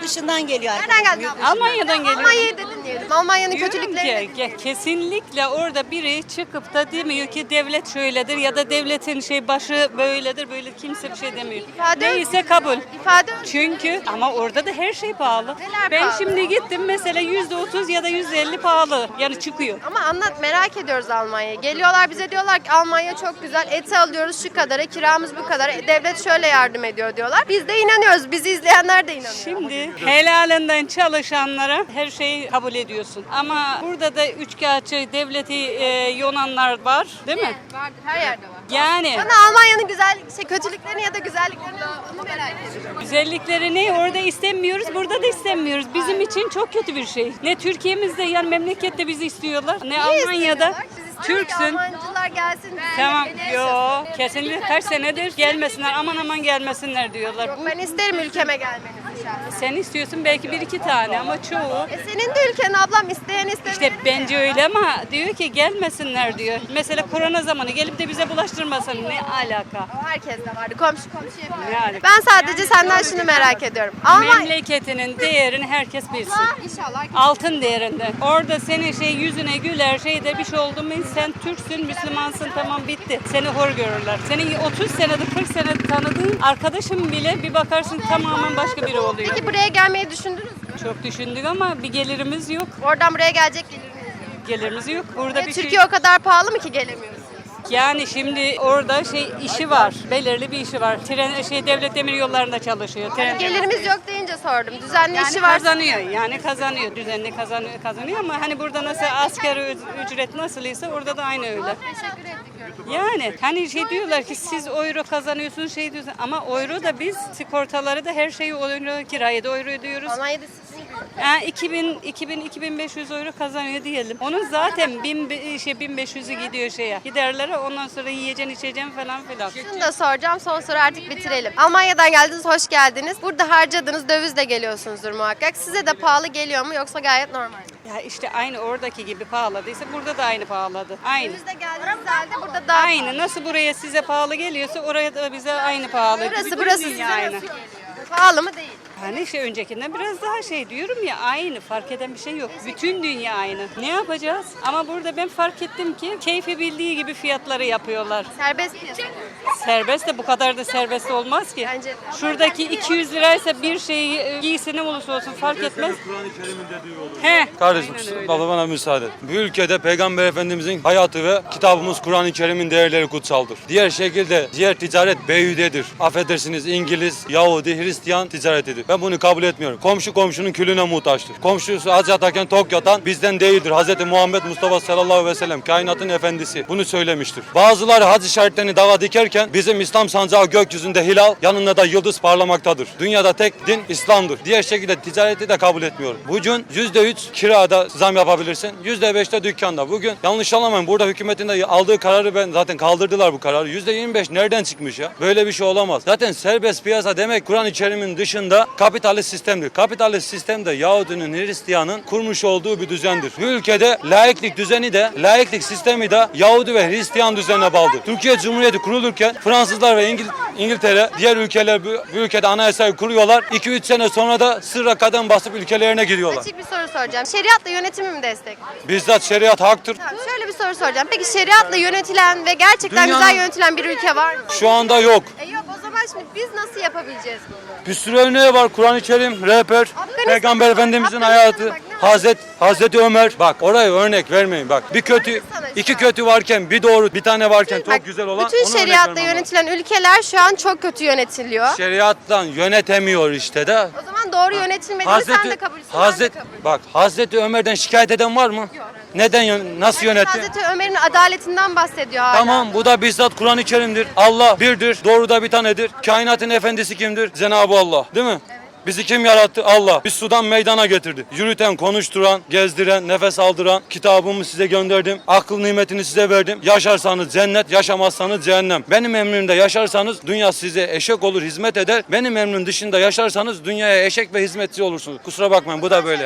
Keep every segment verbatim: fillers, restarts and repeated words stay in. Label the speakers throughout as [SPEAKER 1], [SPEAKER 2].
[SPEAKER 1] dışından geliyor.
[SPEAKER 2] Nereden geldin abla?
[SPEAKER 3] Almanya'dan geliyor.
[SPEAKER 2] Almanya'yı dedin diyelim. Almanya'nın
[SPEAKER 3] Diyorum
[SPEAKER 2] kötülüklerini
[SPEAKER 3] ki, ke- kesinlikle orada biri çıkıp da demiyor ki devlet şöyledir ya da devletin şey başı böyledir, böyle kimse bir şey demiyor.
[SPEAKER 2] İfade
[SPEAKER 3] Neyse kabul.
[SPEAKER 2] ifade
[SPEAKER 3] Çünkü ama orada da her şey pahalı.
[SPEAKER 2] Neler
[SPEAKER 3] ben
[SPEAKER 2] pahalı?
[SPEAKER 3] şimdi gittim mesela yüzde otuz ya da yüzde elli pahalı. Yani çıkıyor.
[SPEAKER 2] Ama anlat, merak ediyoruz Almanya'yı. Geliyorlar bize diyorlar ki Almanya çok güzel, eti alıyoruz şu kadara, kiramız bu kadar, e, devlet şöyle yardım ediyor diyorlar. Biz de inanıyoruz, bizi izleyenler de inanıyor.
[SPEAKER 3] Şimdi helalinden çalışanlara her şeyi kabul ediyorsun. Ama burada da üçkağıtçı devleti e, yonanlar var, değil mi?
[SPEAKER 2] Vardır, her yerde var.
[SPEAKER 3] Yani
[SPEAKER 2] Bana Almanya'nın güzel, şey, kötülüklerini ya da güzelliklerini onu merak ediyorum.
[SPEAKER 3] güzelliklerini orada istemiyoruz, burada da istemiyoruz. Bizim için çok kötü bir şey. Ne Türkiye'mizde yani memlekette bizi istiyorlar, ne Almanya'da. Türksün.
[SPEAKER 2] Yabancılar gelsin.
[SPEAKER 3] Tamam,
[SPEAKER 2] bize
[SPEAKER 3] yo
[SPEAKER 2] yaşasın.
[SPEAKER 3] kesinlikle kaç senedir gelmesinler, aman aman gelmesinler diyorlar.
[SPEAKER 2] Yok,
[SPEAKER 3] Bu,
[SPEAKER 2] ben isterim ülkeme gelmenizi şahsen.
[SPEAKER 3] sen istiyorsun belki bir iki tane ama çoğu.
[SPEAKER 2] E senin de ülken ablam, isteyen istemeyeni.
[SPEAKER 3] İşte bence öyle ama diyor ki gelmesinler diyor. Mesela korona zamanı gelip de bize bulaştırmasın, ne alaka?
[SPEAKER 2] O herkes de vardı. Komşu komşu yapıyor.
[SPEAKER 3] Ne alaka?
[SPEAKER 2] Ben sadece senden şunu merak ediyorum. Almanya.
[SPEAKER 3] Memleketinin değerini herkes bilsin.
[SPEAKER 2] İnşallah.
[SPEAKER 3] Altın değerinde. Orada senin şey yüzüne güler şeyde bir şey oldu mu sen Türksün, Müslümansın, tamam bitti. Seni hor görürler. Senin otuz senedir kırk senedir tanıdığın arkadaşın bile bir bakarsın tamamen başka biri oluyor.
[SPEAKER 2] Peki buraya gelmeyi düşündünüz mü?
[SPEAKER 3] Çok düşündük ama bir gelirimiz yok.
[SPEAKER 2] Oradan buraya gelecek geliriniz yok.
[SPEAKER 3] Gelirimiz yok. Burada
[SPEAKER 2] E,
[SPEAKER 3] bir
[SPEAKER 2] Türkiye
[SPEAKER 3] şey...
[SPEAKER 2] o kadar pahalı mı ki gelemiyoruz?
[SPEAKER 3] Yani şimdi orada şey işi var. Belirli bir işi var. Tren şey devlet demir yollarında çalışıyor. Tren,
[SPEAKER 2] Gelirimiz yok deyince sordum. Düzenli
[SPEAKER 3] yani
[SPEAKER 2] işi var.
[SPEAKER 3] kazanıyor. Yani kazanıyor. Düzenli kazanıyor, kazanıyor ama hani burada nasıl asgari ücret nasıl ise orada da aynı öyle.
[SPEAKER 2] Teşekkür ettik.
[SPEAKER 3] Yani hani şey diyorlar ki siz euro kazanıyorsunuz şey diyorsun ama euro da biz sigortaları da her şeyi euro, kirayı da euro ödüyoruz.
[SPEAKER 2] Almanya'da sizin gibi.
[SPEAKER 3] Yani iki bin, iki bin, iki bin beş yüz euro kazanıyor diyelim. Onun zaten bin, be- şey bin beş yüzü gidiyor şeye. Giderlere ondan sonra yiyeceksin içeceksin falan filan.
[SPEAKER 2] Şunu da soracağım, son soru artık bitirelim. Almanya'dan geldiniz, hoş geldiniz. Burada harcadığınız dövizle geliyorsunuzdur muhakkak. Size de pahalı geliyor mu yoksa gayet normal mi?
[SPEAKER 3] Ya işte aynı oradaki gibi pahaladıysa burada da aynı pahalı. Aynı.
[SPEAKER 2] Dövizle geldiğiniz halde burada daha
[SPEAKER 3] Aynı. Nasıl buraya size pahalı geliyorsa oraya da bize aynı pahalı.
[SPEAKER 2] Burası
[SPEAKER 3] Bütün
[SPEAKER 2] burası
[SPEAKER 3] dünya
[SPEAKER 2] size
[SPEAKER 3] aynı.
[SPEAKER 2] nasıl geliyor? Pahalı mı değil?
[SPEAKER 3] Hani işte öncekinden biraz daha şey diyorum ya aynı fark eden bir şey yok. Bütün dünya aynı. Ne yapacağız? Ama burada ben fark ettim ki keyfi bildiği gibi fiyatları yapıyorlar.
[SPEAKER 2] Serbest piyasa.
[SPEAKER 3] Serbest de bu kadar da serbest olmaz ki.
[SPEAKER 2] Bence-
[SPEAKER 3] Şuradaki iki yüz liraysa bir şeyi e, giysi ne olursa olsun fark etmez.
[SPEAKER 4] Kur'an-ı Kerim'in dediği olur.
[SPEAKER 3] He.
[SPEAKER 4] Kardeşim
[SPEAKER 3] Aynen öyle.
[SPEAKER 4] baba bana müsaade. Bu ülkede Peygamber Efendimizin hayatı ve kitabımız Kur'an-ı Kerim'in değerleri kutsaldır. Diğer şekilde diğer ticaret beyhudedir. Affedersiniz İngiliz, Yahudi, Hristiyan ticaretidir. Ben bunu kabul etmiyorum. Komşu komşunun külüne muhtaçtır. Komşusu aç yatarken tok yatan bizden değildir. Hz. Muhammed Mustafa sallallahu aleyhi ve sellem kainatın efendisi bunu söylemiştir. Bazıları hac işaretlerini dağa dikerken bizim İslam sancağı gökyüzünde hilal yanında da yıldız parlamaktadır. Dünyada tek din İslam'dır. Diğer şekilde ticareti de kabul etmiyorum. Bugün yüzde üç kirada zam yapabilirsin. yüzde beş de dükkanda. Bugün yanlış anlamayın. Burada hükümetin de aldığı kararı ben zaten kaldırdılar bu kararı. yüzde yirmi beş nereden çıkmış ya? Böyle bir şey olamaz. Zaten serbest piyasa demek Kur'an-ı Kerim'in dışında kapitalist sistemdir. Kapitalist sistem de Yahudinin, Hristiyanın kurmuş olduğu bir düzendir. Bu ülkede laiklik düzeni de, laiklik sistemi de Yahudi ve Hristiyan düzenine bağlıdır. Türkiye Cumhuriyeti kurulurken Fransızlar ve İngil İngiltere, diğer ülkeler bu, bu ülkede anayasayı kuruyorlar. iki üç sene sonra da sırra kadem basıp ülkelerine giriyorlar.
[SPEAKER 2] Açık bir soru soracağım. Şeriatla yönetimi mi destekliyorsunuz?
[SPEAKER 4] Bizzat şeriat haktır.
[SPEAKER 2] Tamam, şöyle bir soru soracağım. Peki şeriatla yönetilen ve gerçekten
[SPEAKER 4] Dünyanın-
[SPEAKER 2] güzel yönetilen bir ülke var mı?
[SPEAKER 4] Şu anda yok.
[SPEAKER 2] E yok, o zaman şimdi biz nasıl yapabileceğiz bunu?
[SPEAKER 4] Bir sürü örneği var. Kur'an-ı Kerim, rehber,
[SPEAKER 2] Afganistan-
[SPEAKER 4] Peygamber Efendimizin
[SPEAKER 2] Afganistan'a
[SPEAKER 4] hayatı,
[SPEAKER 2] bak, ne var?
[SPEAKER 4] Hazret, Hazreti Ömer. Bak oraya örnek vermeyin bak. Bir kötü,
[SPEAKER 2] Afganistan'a
[SPEAKER 4] iki
[SPEAKER 2] şu an.
[SPEAKER 4] kötü varken bir doğru, bir tane varken çok
[SPEAKER 2] Bak,
[SPEAKER 4] güzel olan
[SPEAKER 2] bütün
[SPEAKER 4] ona örnek
[SPEAKER 2] şeriatla
[SPEAKER 4] vermem lazım.
[SPEAKER 2] yönetilen ülkeler şu an çok kötü yönetiliyor.
[SPEAKER 4] Şeriattan yönetemiyor işte de.
[SPEAKER 2] O zaman doğru yönetilmediğini sen de kabul etsin.
[SPEAKER 4] Hazreti, bak Hazreti Ömer'den şikayet eden var mı? Neden yön- nasıl yönetti?
[SPEAKER 2] Hazreti Ömer'in adaletinden bahsediyor hala.
[SPEAKER 4] Tamam bu da bizzat Kur'an-ı Kerim'dir. Allah birdir, doğru da bir tanedir. Kainatın efendisi kimdir? Cenab-ı Allah. Değil mi? Bizi kim yarattı? Allah. Biz sudan meydana getirdi. Yürüten, konuşturan, gezdiren, nefes aldıran, kitabımı size gönderdim. Akıl nimetini size verdim. Yaşarsanız cennet, yaşamazsanız cehennem. Benim emrimde yaşarsanız dünya size eşek olur, hizmet eder. Benim emrim dışında yaşarsanız dünyaya eşek ve hizmetçi olursunuz. Kusura bakmayın bu da böyle yani.
[SPEAKER 2] Bir soru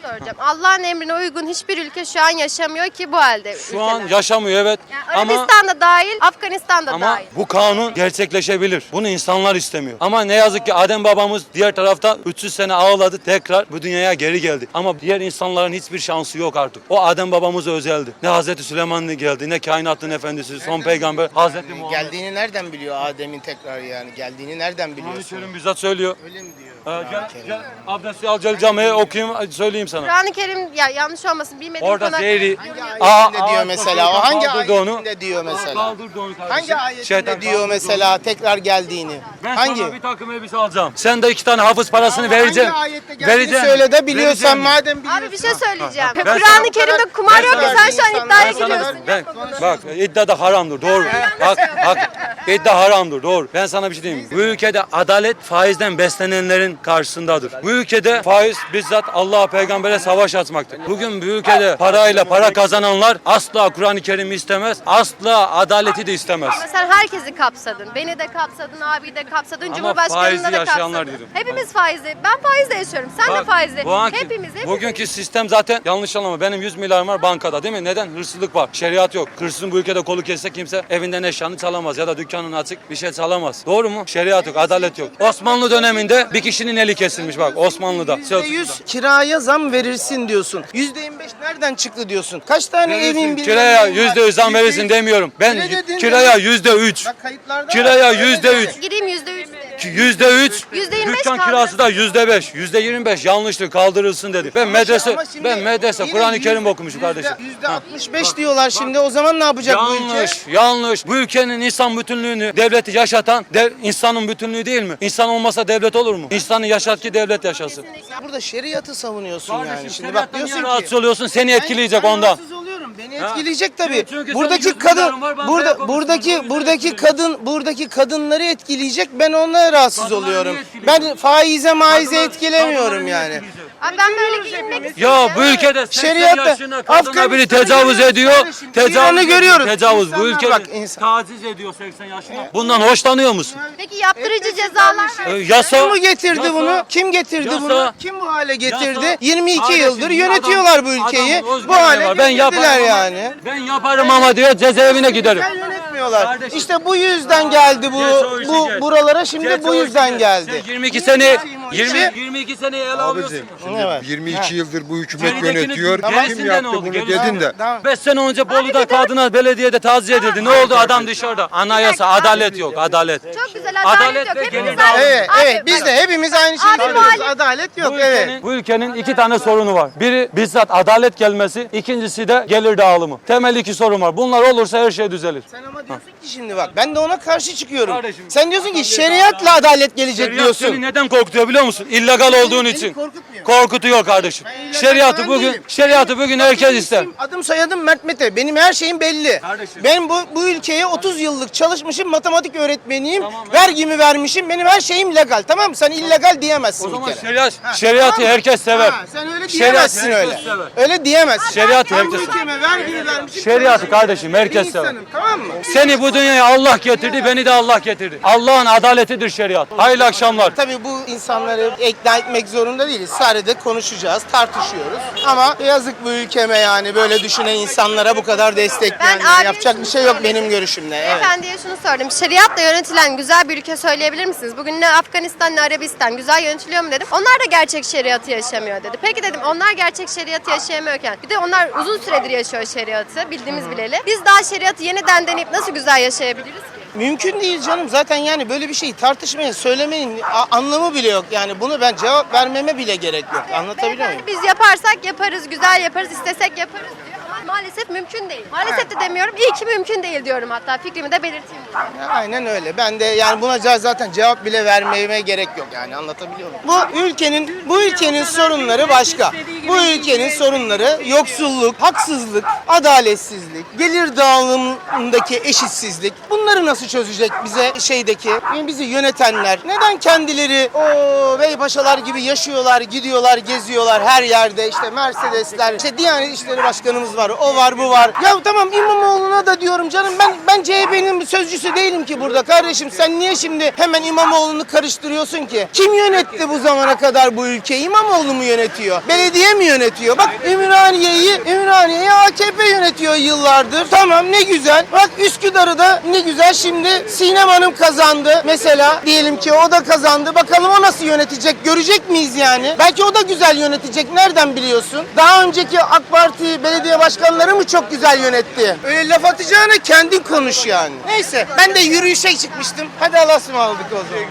[SPEAKER 2] soracağım. Allah'ın emrine uygun hiçbir ülke şu an yaşamıyor ki bu halde.
[SPEAKER 4] Şu an
[SPEAKER 2] ülkeler.
[SPEAKER 4] yaşamıyor evet.
[SPEAKER 2] Yani
[SPEAKER 4] ama
[SPEAKER 2] Arabistan'da dahil, Afganistan'da
[SPEAKER 4] ama
[SPEAKER 2] dahil.
[SPEAKER 4] bu kanun gerçekleşebilir. Bunu insanlar istemiyor. Ama ne yazık ki Adem babamız diğer tarafta üç yüz sene ağladı, tekrar bu dünyaya geri geldi. Ama diğer insanların hiçbir şansı yok artık. O Adem babamıza özeldi. Ne Hazreti Süleyman geldi, ne kainatın efendisi, son peygamber Hazreti Muhammed.
[SPEAKER 1] Geldiğini nereden biliyor Adem'in tekrar yani? Geldiğini nereden
[SPEAKER 4] Kur'an-ı
[SPEAKER 1] biliyorsun?
[SPEAKER 4] Kerim bizzat söylüyor.
[SPEAKER 1] Öyle mi diyor?
[SPEAKER 4] Ee, gel, gel abdesti al, gel camiye okuyayım, söyleyeyim sana.
[SPEAKER 2] Kur'an-ı Kerim ya yanlış olmasın bilmediğim
[SPEAKER 4] Orada
[SPEAKER 2] konu.
[SPEAKER 4] zehri.
[SPEAKER 1] Hangi ayetinde diyor mesela? O hangi
[SPEAKER 4] kaldırdı onu.
[SPEAKER 1] ayetinde diyor mesela?
[SPEAKER 4] Kaldırdı onu kardeşim.
[SPEAKER 1] Hangi ayetinde
[SPEAKER 4] Şeytan
[SPEAKER 1] diyor
[SPEAKER 4] kaldırdı
[SPEAKER 1] mesela
[SPEAKER 4] onu.
[SPEAKER 1] tekrar geldiğini?
[SPEAKER 4] Ben
[SPEAKER 1] Hangi?
[SPEAKER 4] sana bir takım elbise alacağım. Sen de iki tane hafız parasını vereceksin.
[SPEAKER 1] Hangi ayette geldiğini
[SPEAKER 4] Vereceğim.
[SPEAKER 1] söyle de biliyorsan
[SPEAKER 4] Vereceğim.
[SPEAKER 1] madem biliyorsun.
[SPEAKER 2] Abi bir şey söyleyeceğim.
[SPEAKER 4] Ben
[SPEAKER 2] Kur'an-ı
[SPEAKER 4] sana-
[SPEAKER 2] Kerim'de kumar yok ya sen şu an iddiaya
[SPEAKER 1] Ben sana-
[SPEAKER 2] giriyorsun.
[SPEAKER 4] Ben, bak iddia da haramdır doğru. Bak bak iddia haramdır doğru. Ben sana bir şey diyeyim. Bu ülkede adalet faizden beslenenlerin karşısındadır. Bu ülkede faiz bizzat Allah'a peygambere savaş açmaktır. Bugün bu ülkede parayla para kazananlar asla Kur'an-ı Kerim'i istemez. Asla adaleti de istemez.
[SPEAKER 2] Ama sen herkesi kapsadın. Beni de kapsadın, abi de kapsadın,
[SPEAKER 4] Ama
[SPEAKER 2] Cumhurbaşkanı'nı
[SPEAKER 4] faizi
[SPEAKER 2] da
[SPEAKER 4] yaşayanlar
[SPEAKER 2] kapsadın.
[SPEAKER 4] dedim.
[SPEAKER 2] Hepimiz faizle. Ben faizle yaşıyorum. Sen de
[SPEAKER 4] Bak,
[SPEAKER 2] faizle.
[SPEAKER 4] bu anki-
[SPEAKER 2] Hepimiz, hepimiz.
[SPEAKER 4] Bugünkü sistem zaten yanlış anlama. Benim yüz milyarım var bankada değil mi? Neden? Hırsızlık var. Şeriat yok. Hırsızın bu ülkede kolu kesse kimse evinden eşyanı çalamaz ya da dükkanın açık bir şey çalamaz. Doğru mu? Şeriat yok, adalet yok. Osmanlı döneminde bir kişinin eli kesilmiş bak Osmanlı'da.
[SPEAKER 1] yüzde yüz kiraya zam verirsin diyorsun. yüzde yirmi beş nereden çıktı diyorsun? Kaç tane evin
[SPEAKER 4] Verirsin.
[SPEAKER 1] bilmem
[SPEAKER 4] Kiraya
[SPEAKER 1] neyin var?
[SPEAKER 4] yüzde yüz zam verirsin
[SPEAKER 1] yüz-
[SPEAKER 4] demiyorum. Ben
[SPEAKER 1] Öyle dedin
[SPEAKER 4] kiraya
[SPEAKER 1] mi?
[SPEAKER 4] yüzde üç.
[SPEAKER 1] Bak kayıtlarda
[SPEAKER 4] Kiraya
[SPEAKER 1] var.
[SPEAKER 4] yüzde
[SPEAKER 1] Öyle
[SPEAKER 4] üç.
[SPEAKER 1] dedi.
[SPEAKER 2] Gireyim yüzde üç.
[SPEAKER 4] Yüzde üç.
[SPEAKER 2] Yüzde yirmi beş
[SPEAKER 4] Dükkan
[SPEAKER 2] kaldı.
[SPEAKER 4] kirası da yüzde beş. Yüzde yirmi beş yanlıştır kaldırılsın dedi. Ben medrese
[SPEAKER 1] Ama şimdi
[SPEAKER 4] ben medrese
[SPEAKER 1] yine
[SPEAKER 4] Kur'an-ı
[SPEAKER 1] yüz-
[SPEAKER 4] Kerim okumuşum
[SPEAKER 1] yüzde-
[SPEAKER 4] kardeşim.
[SPEAKER 1] Yüzde
[SPEAKER 4] Ha.
[SPEAKER 1] altmış beş diyorlar şimdi. O zaman ne yapacak bu ülke?
[SPEAKER 4] Yanlış, yanlış. Bu ülkenin insan bütünlüğünü, devleti yaşatan dev, insanın bütünlüğü değil mi? İnsan olmasa devlet olur mu? İnsanı yaşat ki devlet yaşasın.
[SPEAKER 1] Burada şeriatı savunuyorsun yani.
[SPEAKER 4] Kardeşim,
[SPEAKER 1] Şimdi bak
[SPEAKER 4] şeriattan
[SPEAKER 1] diyorsun
[SPEAKER 4] niye
[SPEAKER 1] ki
[SPEAKER 4] rahatsız oluyorsun? Seni etkileyecek
[SPEAKER 1] ben
[SPEAKER 4] ondan.
[SPEAKER 1] rahatsız oluyorum. Beni
[SPEAKER 4] Ha.
[SPEAKER 1] etkileyecek tabii.
[SPEAKER 4] Çünkü senin
[SPEAKER 1] buradaki
[SPEAKER 4] yüz
[SPEAKER 1] kadın
[SPEAKER 4] milyarın var, bankaya
[SPEAKER 1] burada
[SPEAKER 4] koymuşsun. O
[SPEAKER 1] buradaki
[SPEAKER 4] yüzden
[SPEAKER 1] buradaki
[SPEAKER 4] etkileyecek.
[SPEAKER 1] kadın buradaki kadınları etkileyecek. Ben onlara rahatsız
[SPEAKER 4] Kadınları
[SPEAKER 1] oluyorum.
[SPEAKER 4] niye etkileyecek?
[SPEAKER 1] Ben faize maize
[SPEAKER 4] Kadınlar-
[SPEAKER 1] etkilemiyorum
[SPEAKER 4] kadınları niye
[SPEAKER 1] yani.
[SPEAKER 4] etkileyecek?
[SPEAKER 2] Abi ben böyle giyinmek
[SPEAKER 4] Ya
[SPEAKER 2] istiyorum.
[SPEAKER 4] bu ülkede seksen
[SPEAKER 1] Şeriatta-
[SPEAKER 4] yaşında kadına biri
[SPEAKER 1] Afganistan'ı
[SPEAKER 4] tecavüz
[SPEAKER 1] görüyoruz
[SPEAKER 4] ediyor.
[SPEAKER 1] kardeşim,
[SPEAKER 4] Tecavüz
[SPEAKER 1] İran'ı
[SPEAKER 4] ediyor,
[SPEAKER 1] görüyoruz.
[SPEAKER 4] Tecavüz. Bu
[SPEAKER 1] İnsanlar
[SPEAKER 4] ülke
[SPEAKER 1] bak, insan-
[SPEAKER 4] taciz ediyor seksen yaşında. Bundan hoşlanıyor musun?
[SPEAKER 2] Peki yaptırıcı cezalar
[SPEAKER 4] Ee,
[SPEAKER 2] var.
[SPEAKER 4] yasa.
[SPEAKER 1] Kim bu getirdi
[SPEAKER 4] yasa-
[SPEAKER 1] bunu? Kim getirdi
[SPEAKER 4] Yasa-
[SPEAKER 1] bunu? Kim bu hale getirdi?
[SPEAKER 4] yasa-
[SPEAKER 1] yirmi iki
[SPEAKER 4] Kardeşim,
[SPEAKER 1] yıldır
[SPEAKER 4] bir
[SPEAKER 1] yönetiyorlar
[SPEAKER 4] adam-
[SPEAKER 1] bu ülkeyi.
[SPEAKER 4] adamın
[SPEAKER 1] Bu
[SPEAKER 4] özgürlüğü
[SPEAKER 1] hale
[SPEAKER 4] var. Ben
[SPEAKER 1] getirdiler
[SPEAKER 4] yaparım ama-
[SPEAKER 1] yani.
[SPEAKER 4] Ben yaparım ama diyor cezaevine giderim.
[SPEAKER 1] Güzel yönetmiyorlar.
[SPEAKER 4] Kardeşim.
[SPEAKER 1] İşte bu yüzden geldi bu
[SPEAKER 4] Geç o işi,
[SPEAKER 1] bu
[SPEAKER 4] geç.
[SPEAKER 1] buralara şimdi
[SPEAKER 4] Geç
[SPEAKER 1] bu
[SPEAKER 4] o
[SPEAKER 1] yüzden
[SPEAKER 4] işi.
[SPEAKER 1] geldi.
[SPEAKER 4] Sen yirmi iki sene
[SPEAKER 1] o
[SPEAKER 4] yirmi
[SPEAKER 1] işi.
[SPEAKER 4] yirmi iki sene ele alıyorsun.
[SPEAKER 5] Abicim şimdi
[SPEAKER 1] Ne var?
[SPEAKER 5] yirmi iki
[SPEAKER 1] Ha.
[SPEAKER 5] yıldır bu hükümet
[SPEAKER 4] Geridekini-
[SPEAKER 5] yönetiyor.
[SPEAKER 4] gerisinde
[SPEAKER 5] Kim
[SPEAKER 4] ne
[SPEAKER 5] yaptı
[SPEAKER 4] oldu?
[SPEAKER 5] bunu
[SPEAKER 4] Gerisinde
[SPEAKER 5] dedin de.
[SPEAKER 1] Tamam.
[SPEAKER 4] beş sene önce Bolu'da kadına belediyede taciz edildi. Ne oldu adam dışarıda? Anayasa, adalet yok, adalet.
[SPEAKER 2] Çok güzel adalet,
[SPEAKER 4] Adalet
[SPEAKER 2] yok.
[SPEAKER 4] ve
[SPEAKER 2] Hepimiz
[SPEAKER 4] gelir
[SPEAKER 2] aynı.
[SPEAKER 1] Evet,
[SPEAKER 2] Abi,
[SPEAKER 1] evet. Biz
[SPEAKER 2] bak.
[SPEAKER 1] de hepimiz aynı şeyi
[SPEAKER 2] Abi
[SPEAKER 1] söylüyoruz.
[SPEAKER 2] muhalif-
[SPEAKER 1] Adalet yok,
[SPEAKER 4] Bu
[SPEAKER 1] evet.
[SPEAKER 4] ülkenin, bu ülkenin iki tane sorunu var. Biri bizzat adalet gelmesi, ikincisi de gelir dağılımı. Temel iki sorun var. Bunlar olursa her şey düzelir.
[SPEAKER 1] Sen ama diyorsun ki şimdi bak ben de ona karşı çıkıyorum.
[SPEAKER 4] Kardeşim,
[SPEAKER 1] Sen diyorsun ki şeriatla adalet gelecek
[SPEAKER 4] Şeriat
[SPEAKER 1] diyorsun.
[SPEAKER 4] seni neden korkutuyor biliyor musun? İllegal olduğun
[SPEAKER 1] beni
[SPEAKER 4] için.
[SPEAKER 1] korkutmuyor.
[SPEAKER 4] Korkutuyor kardeşim.
[SPEAKER 1] Ben illegal
[SPEAKER 4] Şeriatı
[SPEAKER 1] falan
[SPEAKER 4] bugün
[SPEAKER 1] değilim.
[SPEAKER 4] şeriatı bugün herkes ister.
[SPEAKER 1] Benim adım soyadım Mert Mete. Benim her şeyim belli.
[SPEAKER 4] Kardeşim.
[SPEAKER 1] Ben bu bu ülkeye otuz yıllık çalışmışım, matematik öğretmeniyim.
[SPEAKER 4] Tamam, evet.
[SPEAKER 1] Vergimi vermişim. Benim her şeyim legal. Tamam mı? Sen illegal diyemezsin
[SPEAKER 4] O zaman
[SPEAKER 1] bir kere.
[SPEAKER 4] şeriat, şeriatı
[SPEAKER 1] Tamam mı?
[SPEAKER 4] herkes sever.
[SPEAKER 1] Ha, sen öyle
[SPEAKER 4] Şeriat
[SPEAKER 1] diyemezsin
[SPEAKER 4] herkes
[SPEAKER 1] öyle.
[SPEAKER 4] sever.
[SPEAKER 1] Öyle diyemezsin.
[SPEAKER 4] Şeriatı
[SPEAKER 1] Ben bu
[SPEAKER 4] herkes sever.
[SPEAKER 1] ülkeme vergimi vermişim.
[SPEAKER 4] Şeriatı kardeşim herkes
[SPEAKER 1] bir
[SPEAKER 4] sever.
[SPEAKER 1] insanım, tamam mı?
[SPEAKER 4] Seni bu dünyaya Allah getirdi, beni de Allah getirdi. Allah'ın adaletidir şeriat. Hayırlı akşamlar.
[SPEAKER 1] Tabii bu insanları ikna etmek zorunda değiliz. Sadece konuşacağız, tartışıyoruz. Ama yazık bu ülkeme yani böyle düşünen insanlara bu kadar destek
[SPEAKER 2] Ben
[SPEAKER 1] yani.
[SPEAKER 2] abiye
[SPEAKER 1] Yapacak
[SPEAKER 2] şunu
[SPEAKER 1] bir şey yok
[SPEAKER 2] söyleyeyim.
[SPEAKER 1] benim görüşümle. Evet.
[SPEAKER 2] Efendiye şunu sordum. Şeriatla yönetilen güzel bir ülke söyleyebilir misiniz? Bugün ne Afganistan ne Arabistan güzel yönetiliyor mu dedim. Onlar da gerçek şeriatı yaşamıyor dedi. Peki dedim onlar gerçek şeriatı yaşayamıyorken bir de onlar uzun süredir yaşıyor şeriatı bildiğimiz bileli. Biz daha şeriatı yeniden deneyip nasıl güzel yaşayabiliriz ki?
[SPEAKER 1] Mümkün değil canım. Zaten yani böyle bir şeyi tartışmayın, söylemeyin a- anlamı bile yok. Yani bunu ben cevap vermeme bile gerek yok. Anlatabiliyor muyum?
[SPEAKER 2] Beyefendi, biz yaparsak yaparız, güzel yaparız, istesek yaparız diyor. Ama maalesef mümkün değil. Maalesef de demiyorum. İyi ki mümkün değil diyorum hatta. Fikrimi de belirteyim. burada.
[SPEAKER 1] Aynen öyle. Ben de yani buna ca- zaten cevap bile vermeme gerek yok yani anlatabiliyor muyum? Bu ülkenin bu ülkenin sorunları başka. Bu ülkenin sorunları yoksulluk, haksızlık, adaletsizlik, gelir dağılımındaki eşitsizlik. Bunları nasıl çözecek bize şeydeki bizi yönetenler? Neden kendileri o beypaşalar gibi yaşıyorlar, gidiyorlar, geziyorlar her yerde işte Mercedesler, işte Diyanet İşleri Başkanımız var, o var, bu var. Ya tamam İmamoğlu'na da diyorum canım ben ben C H P'nin sözcüsü değilim ki burada kardeşim. Sen niye şimdi hemen İmamoğlu'nu karıştırıyorsun ki? Kim yönetti bu zamana kadar bu ülkeyi? İmamoğlu mu yönetiyor? Belediye mi mi yönetiyor? Bak Ümraniye'yi, Ümraniye'yi A K P yönetiyor yıllardır. Tamam ne güzel. Bak Üsküdar'ı da ne güzel şimdi Sinem Hanım kazandı. Mesela diyelim ki o da kazandı. Bakalım o nasıl yönetecek? Görecek miyiz yani? Belki o da güzel yönetecek. Nereden biliyorsun? Daha önceki AK Parti belediye başkanları mı çok güzel yönetti? Öyle laf atacağına kendin konuş yani. Neyse ben de yürüyüşe çıkmıştım. Hadi Allah'a ısmarladık o zaman.